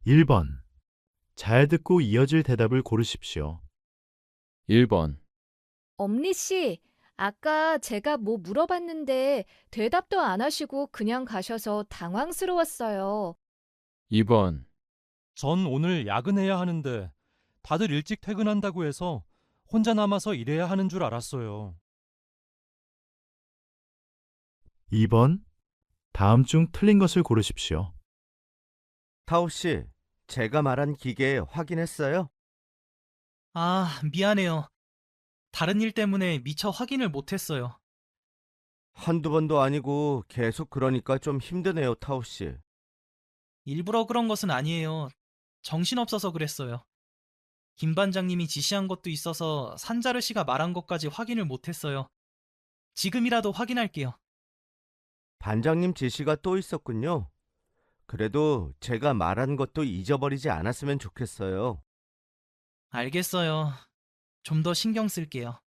1번. 잘 듣고 이어질 대답을 고르십시오. 1번, 엄니 씨, 아까 제가 뭐 물어봤는데 대답도 안 하시고 그냥 가셔서 당황스러웠어요. 2번, 전 오늘 야근해야 하는데 다들 일찍 퇴근한다고 해서 혼자 남아서 일해야 하는 줄 알았어요. 2번. 다음 중 틀린 것을 고르십시오. 타오 씨, 제가 말한 기계 확인했어요? 아, 미안해요. 다른 일 때문에 미처 확인을 못했어요. 한두 번도 아니고 계속 그러니까 좀 힘드네요, 타오 씨. 일부러 그런 것은 아니에요. 정신없어서 그랬어요. 김 반장님이 지시한 것도 있어서 산자르 씨가 말한 것까지 확인을 못했어요. 지금이라도 확인할게요. 반장님 지시가 또 있었군요. 그래도 제가 말한 것도 잊어버리지 않았으면 좋겠어요. 알겠어요. 좀 더 신경 쓸게요.